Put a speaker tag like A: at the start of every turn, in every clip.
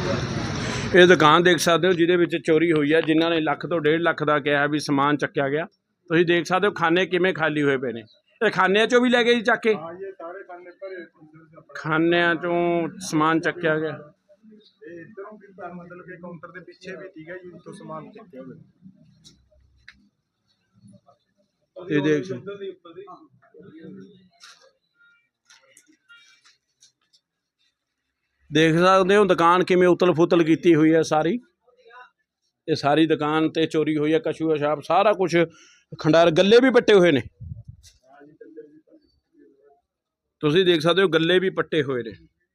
A: ਇਹ ਦੁਕਾਨ ਦੇਖ ਸਕਦੇ ਹੋ ਜਿਹਦੇ ਵਿੱਚ ਚੋਰੀ ਹੋਈ ਹੈ। ਜਿਨ੍ਹਾਂ ਨੇ ਲੱਖ ਤੋਂ 1.5 ਲੱਖ ਦਾ ਕਿਹਾ ਵੀ ਸਮਾਨ ਚੱਕਿਆ ਗਿਆ। ਤੁਸੀਂ ਦੇਖ ਸਕਦੇ ਹੋ ਖਾਨੇ ਕਿਵੇਂ ਖਾਲੀ ਹੋਏ ਪਏ ਨੇ। ਇਹ ਖਾਨਿਆਂ ਚੋਂ ਵੀ ਲੈ ਗਏ ਜੀ ਚੱਕ ਕੇ। ਖਾਨਿਆਂ ਚੋਂ ਸਮਾਨ ਚੱਕਿਆ ਗਿਆ।
B: मतलब कि काउंटर के पीछे भी ठीक है जी, तो सामान चुके हुए
A: ये देख सकते हो दुकान किमें उतल फुतल की हुई है सारी। ये सारी दुकान ते चोरी हुई है। कछू पेशाब सारा कुछ खंडार, गले भी पट्टे हुए ने। तुसीं देख सकते हो गले भी पट्टे हुए ने।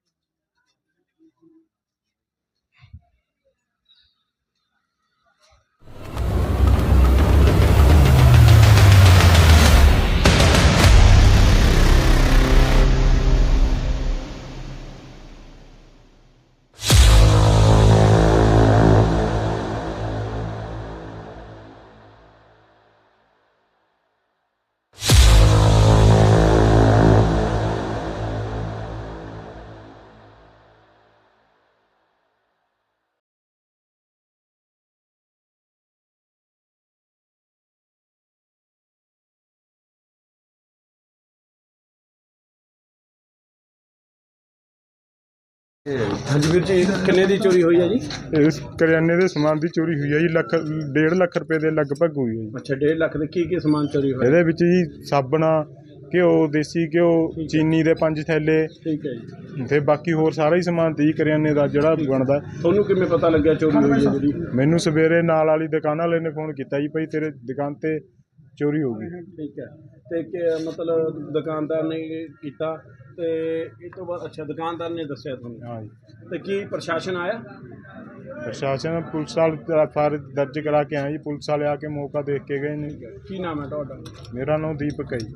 A: हाँ जी वीर जी, किन्ने दी चोरी हुई है जी?
B: इस करियाने के समान की चोरी हुई है जी। 1.5 ਲੱਖ रुपए के लगभग हुई है जी।
A: अच्छा 1.5 ਲੱਖ ਦੇ ਕੀ समान चोरी हुआ?
B: ਇਹਦੇ ਵਿੱਚ ਜੀ ਸਾਬਣ, ਘਿਓ, ਦੇਸੀ ਘਿਓ, ਚੀਨੀ ਦੇ 5 ਥੈਲੇ,
A: ठीक है जी।
B: ਤੇ ਬਾਕੀ ਹੋਰ ਸਾਰਾ ਹੀ ਸਮਾਨ ਤੀ ਕਰਿਆਨੇ ਦਾ ਜਿਹੜਾ ਬਣਦਾ।
A: ਤੁਹਾਨੂੰ ਕਿਵੇਂ ਪਤਾ ਲੱਗਿਆ ਚੋਰੀ ਹੋਈ ਹੈ ਜਿਹੜੀ?
B: ਮੈਨੂੰ ਸਵੇਰੇ ਨਾਲ ਵਾਲੀ ਦੁਕਾਨ ਵਾਲੇ ਨੇ ਫੋਨ ਕੀਤਾ ਜੀ, ਭਾਈ ਤੇਰੇ ਦੁਕਾਨ ਤੇ ਚੋਰੀ ਹੋ ਗਈ।
A: ठीक है ਤੇ ਕਿ ਮਤਲਬ ਦੁਕਾਨਦਾਰ ਨੇ ਕੀਤਾ ਤੇ ਇਹ ਤੋਂ ਬਾਅਦ ਅੱਛਾ ਦੁਕਾਨਦਾਰ ਨੇ ਦੱਸਿਆ ਤੁਹਾਨੂੰ?
B: ਹਾਂ ਜੀ।
A: ਤੇ ਕੀ ਪ੍ਰਸ਼ਾਸਨ ਆਇਆ?
B: ਪ੍ਰਸ਼ਾਸਨ ਪੁਲਿਸ ਵਾਲੇ ਫਾਰ ਦਰਜ ਕਰਾ ਕੇ ਆਏ ਜੀ। ਪੁਲਿਸ ਵਾਲੇ ਆ ਕੇ ਮੌਕਾ ਦੇਖ ਕੇ ਗਏ ਨੇ।
A: ਕੀ ਨਾਮ ਹੈ ਤੁਹਾਡਾ?
B: ਮੇਰਾ ਨਾਮ ਦੀਪਕ ਹੈ ਜੀ।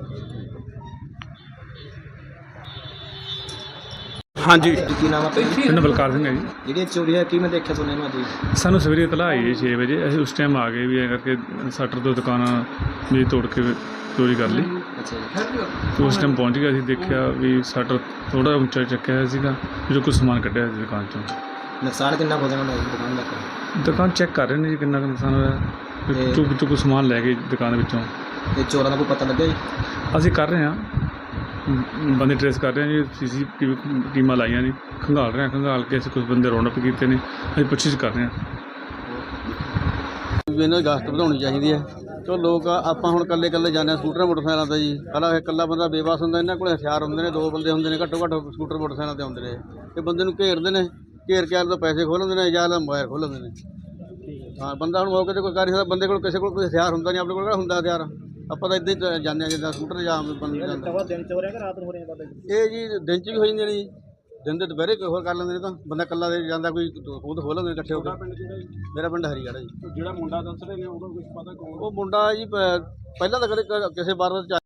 A: हाँ जी
C: की नाम है?
D: पिंड बलकार सिंह है जी।
C: जी चोरी है कि मैं देखा सुने में जी
D: सानू सवेरे इतला आई है 6 बजे। ਅਸੀਂ ਉਸ ਟਾਈਮ ਆ ਗਏ ਵੀ ਐ ਕਰਕੇ ਸ਼ਟਰ ਤੋਂ ਦੁਕਾਨ ਵੀ ਤੋੜ ਕੇ ਚੋਰੀ ਕਰ ਲਈ।
C: अच्छा जी।
D: ਤੇ ਉਸ ਟਾਈਮ ਪਹੁੰਚ ਗਿਆ, ਅਸੀਂ ਦੇਖਿਆ ਵੀ ਸ਼ਟਰ ਥੋੜਾ ਉੱਚਾ ਚੱਕਿਆ ਹੋਇਆ ਸੀਗਾ, ਜੋ ਕੁਝ ਸਮਾਨ ਕੱਢਿਆ ਸੀ ਦੁਕਾਨ ਚੋਂ।
C: नुकसान कितना हो जाना दुकान का?
D: ਦੁਕਾਨ ਚੈੱਕ ਕਰ ਰਹੇ ਨੇ ਜੀ ਕਿੰਨਾ ਕੁ ਨੁਕਸਾਨ ਹੋਇਆ। ਚੁੱਕ ਸਮਾਨ ਲੈ ਗਏ ਦੁਕਾਨ ਵਿੱਚੋਂ।
C: ਤੇ ਚੋਰਾਂ ਦਾ ਕੋਈ ਪਤਾ ਲੱਗਿਆ ਜੀ?
D: ਅਸੀਂ ਕਰ ਰਹੇ ਹਾਂ, ਬੰਦੇ ਟ੍ਰੇਸ ਕਰ ਰਹੇ ਹਾਂ ਜੀ। CCTV ਟੀਮਾਂ ਲਾਈਆਂ ਨੇ, ਖੰਗਾਲ ਰਹੇ ਹਾਂ। ਖੰਗਾਲ ਕੇ ਅਸੀਂ ਕੁਝ ਬੰਦੇ ਰੌਂਡ ਅਪ ਕੀਤੇ ਨੇ, ਅਸੀਂ ਪੁੱਛਿਸ਼ ਕਰ ਰਹੇ ਹਾਂ।
E: ਇਹਨਾਂ ਦੀ ਗਸ਼ਤ ਵਧਾਉਣੀ ਚਾਹੀਦੀ ਹੈ। ਚਲੋ ਲੋਕ ਆਪਾਂ ਹੁਣ ਇਕੱਲੇ ਜਾਂਦੇ ਹਾਂ ਸਕੂਟਰ ਮੋਟਰਸਾਈਕਲਾਂ 'ਤੇ ਜੀ। ਪਹਿਲਾਂ ਇਕੱਲਾ ਬੰਦਾ ਬੇਬਸ ਹੁੰਦਾ, ਇਹਨਾਂ ਕੋਲ ਹਥਿਆਰ ਹੁੰਦੇ ਨੇ, 2 ਬੰਦੇ ਹੁੰਦੇ ਨੇ ਘੱਟੋ ਘੱਟ ਸਕੂਟਰ ਮੋਟਰਸਾਈਕਲਾਂ 'ਤੇ ਆਉਂਦੇ ਨੇ। ਇਹ ਬੰਦੇ ਨੂੰ ਘੇਰਦੇ ਨੇ, ਘੇਰ ਕੇ ਆਲੇ ਤੋਂ ਪੈਸੇ ਖੋਹ ਲੈਂਦੇ ਨੇ ਜਾਂ ਮੋਬਾਈਲ ਖੋਹ ਲੈਂਦੇ ਨੇ। ਹਾਂ ਬੰਦਾ ਹੁਣ ਮੌਕੇ 'ਤੇ ਕੋਈ ਕਰ ਨਹੀਂ ਸਕਦਾ। ਬੰਦੇ ਕੋਲ ਕਿਸੇ ਕੋਲ ਕੋਈ ਹਥਿਆਰ ਹੁੰਦਾ ਨਹੀਂ, ਆਪਣੇ ਕੋਲ ਕਿਹੜਾ ਹੁੰਦਾ ਹਥਿਆਰ। ਆਪਾਂ ਤਾਂ ਇੱਦਾਂ ਹੀ ਜਾਂਦੇ ਹਾਂ ਜਿੱਦਾਂ ਸਕੂਟਰ ਜਾਂ ਬੰਦੇ
C: ਦਿਨ ਚ ਹੋ ਰਿਹਾ ਕਿ ਰਾਤ ਨੂੰ ਹੋ ਰਿਹਾ?
E: ਇਹ ਜੀ ਦਿਨ 'ਚ ਵੀ ਹੋ ਜਾਂਦੇ ਨੇ ਜੀ। ਦਿਨ ਦੇ ਦੁਪਹਿਰੇ ਕੋਈ ਹੋਰ ਕਰ ਲੈਂਦੇ ਨੇ। ਤਾਂ ਬੰਦਾ ਇਕੱਲਾ ਦੇ ਜਾਂਦਾ, ਕੋਈ ਖੁਦ ਖੋਹ ਲੈਂਦੇ ਨੇ ਇਕੱਠੇ ਹੋ ਕੇ। ਮੇਰਾ ਪਿੰਡ ਹਰੀਗੜ੍ਹ ਹੈ ਜੀ।
A: ਜਿਹੜਾ ਮੁੰਡਾ ਦੱਸ ਰਹੇ ਨੇ ਉਹਦਾ ਕੁਝ ਪਤਾ ਕੌਣ?
E: ਉਹ ਮੁੰਡਾ ਜੀ ਪਹਿਲਾਂ ਤਾਂ ਕਦੇ ਕਿਸੇ ਵਾਰ